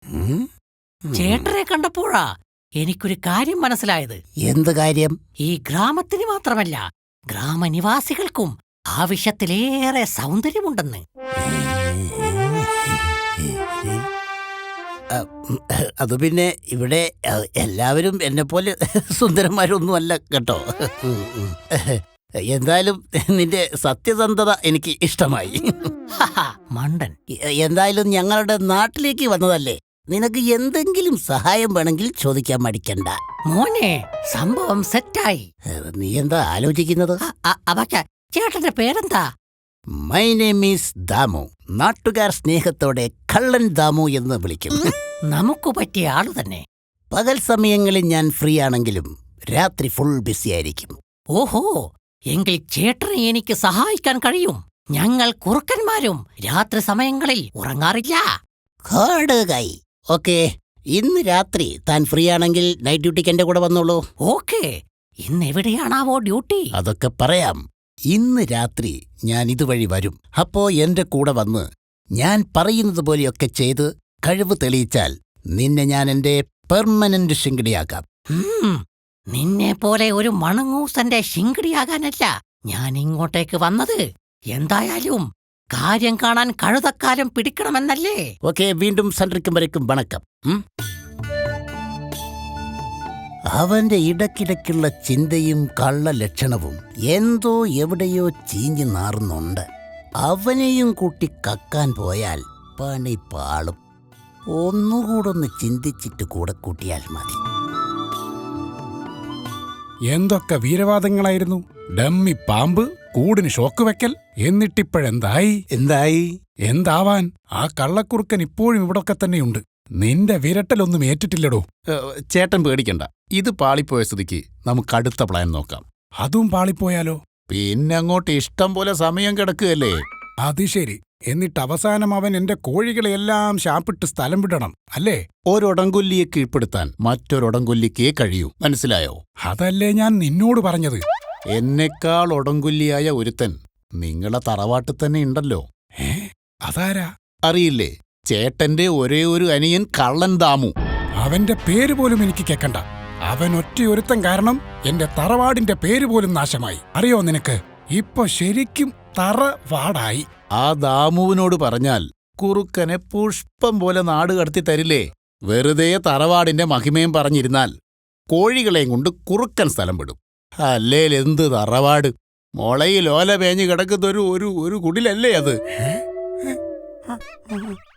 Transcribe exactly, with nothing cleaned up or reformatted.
ചേട്ടനെ കണ്ടപ്പോഴാ എനിക്കൊരു കാര്യം മനസ്സിലായത്. എന്ത് കാര്യം? ഈ ഗ്രാമത്തിന് മാത്രമല്ല, ഗ്രാമനിവാസികൾക്കും ആവശ്യത്തിലേറെ സൗന്ദര്യമുണ്ടെന്ന്. അത് പിന്നെ ഇവിടെ എല്ലാവരും എന്നെ പോലെ സുന്ദരന്മാരൊന്നുമല്ല കേട്ടോ. എന്തായാലും നിന്റെ സത്യസന്ധത എനിക്ക് ഇഷ്ടമായി. മണ്ടൻ. എന്തായാലും ഞങ്ങളുടെ നാട്ടിലേക്ക് വന്നതല്ലേ, നിനക്ക് എന്തെങ്കിലും സഹായം വേണമെങ്കിൽ ചോദിക്കാൻ മടിക്കണ്ട. മോനെ, സംഭവം സെറ്റായി. നീ എന്താ ആലോചിക്കുന്നത്? ചേട്ടന്റെ പേരെന്താ? My name is Damu. നാട്ടുകാർ സ്നേഹത്തോടെ കള്ളൻ ദാമു എന്ന് വിളിക്കും. നമുക്ക് പറ്റിയ ആള് തന്നെ. പകൽ സമയങ്ങളിൽ ഞാൻ ഫ്രീ ആണെങ്കിലും രാത്രി ഫുൾ ബിസി ആയിരിക്കും. ഓഹോ, എങ്കിൽ ചേട്ടനെ എനിക്ക് സഹായിക്കാൻ കഴിയും. ഞങ്ങൾ കുറുക്കന്മാരും രാത്രി സമയങ്ങളിൽ ഉറങ്ങാറില്ല. ഓക്കെ, ഇന്ന് രാത്രി താൻ ഫ്രീ ആണെങ്കിൽ നൈറ്റ് ഡ്യൂട്ടിക്ക് എന്റെ കൂടെ വന്നോളൂ. ഓക്കെ, ഇന്ന് എവിടെയാണാവോ ഡ്യൂട്ടി? അതൊക്കെ പറയാം. ഇന്ന് രാത്രി ഞാൻ ഇതുവഴി വരും. അപ്പോ എന്റെ കൂടെ വന്ന് ഞാൻ പറയുന്നത് പോലെയൊക്കെ ചെയ്ത് കഴിവ് തെളിയിച്ചാൽ നിന്നെ ഞാൻ എന്റെ പെർമനന്റ് ശിങ്കിടിയാക്കാം. നിന്നെ പോലെ ഒരു മണങ്ങൂസന്റെ ശിങ്കിടിയാകാനല്ല ഞാൻ ഇങ്ങോട്ടേക്ക് വന്നത്. എന്തായാലും കാര്യം കാണാൻ കഴുതക്കാലം പിടിക്കണമെന്നല്ലേ? ഓക്കെ, വീണ്ടും സന്ധിക്കുമ്പോഴേക്കും വണക്കം. അവന്റെ ഇടയ്ക്കിടയ്ക്കുള്ള ചിന്തയും കള്ള ലക്ഷണവും എന്തോ എവിടെയോ ചീഞ്ഞു നാറുന്നുണ്ട്. അവനെയും കൂട്ടി കക്കാൻ പോയാൽ പണി പാളും. ഒന്നുകൂടൊന്ന് ചിന്തിച്ചിട്ട് കൂടെ കൂട്ടിയാൽ മതി. എന്തൊക്കെ വീരവാദങ്ങളായിരുന്നു! ഡമ്മി പാമ്പ്, കൂടിന് ഷോക്ക് വെക്കൽ. എന്നിട്ടിപ്പോഴെന്തായി? എന്തായി എന്താവാൻ? ആ കള്ളക്കുറുക്കൻ ഇപ്പോഴും ഇവിടൊക്കെ തന്നെയുണ്ട്. നിന്റെ വിരട്ടലൊന്നും ഏറ്റിട്ടില്ലടോ. ചേട്ടൻ പേടിക്കണ്ട, ഇത് പാളിപ്പോയ സ്ഥിതിക്ക് നമുക്ക് അടുത്ത പ്ലാൻ നോക്കാം. അതും പാളിപ്പോയാലോ? പിന്നെ അങ്ങോട്ട് ഇഷ്ടം പോലെ സമയം കിടക്കുകയല്ലേ. അത് ശരി. എന്നിട്ട് അവസാനം അവൻ എന്റെ കോഴികളെയെല്ലാം ശാപ്പിട്ട് സ്ഥലം വിടണം അല്ലേ? ഒരൊടങ്കൊല്ലിയെ കീഴ്പ്പെടുത്താൻ മറ്റൊരൊടങ്കൊല്ലിക്കേ കഴിയൂ, മനസ്സിലായോ? അതല്ലേ ഞാൻ നിന്നോട് പറഞ്ഞത്. എന്നെക്കാൾ ഒടങ്കൊല്ലിയായ ഒരുത്തൻ നിങ്ങളെ തറവാട്ടിൽ തന്നെ ഉണ്ടല്ലോ. ഏ, അതാരാ? അറിയില്ലേ? ചേട്ടന്റെ ഒരേ ഒരു അനിയൻ കള്ളൻ ദാമു. അവന്റെ പേര് പോലും എനിക്ക് കേക്കണ്ട. അവൻ ഒറ്റയൊരുത്തൻ കാരണം എന്റെ തറവാടിന്റെ പേര് പോലും നാശമായി. അറിയോ നിനക്ക്? ഇപ്പൊ ശരിക്കും തറവാടായി. ആ ദാമുവിനോട് പറഞ്ഞാൽ കുറുക്കനെ പുഷ്പം പോലെ നാട് കടത്തി തരില്ലേ? വെറുതെ തറവാടിന്റെ മഹിമയും പറഞ്ഞിരുന്നാൽ കോഴികളെയും കൊണ്ട് കുറുക്കൻ സ്ഥലം വിടും. അല്ലേൽ എന്ത് തറവാട്! മുളയിൽ ഓല പേഞ്ഞ് കിടക്കുന്നൊരു ഒരു ഒരു കുടിലല്ലേ അത്?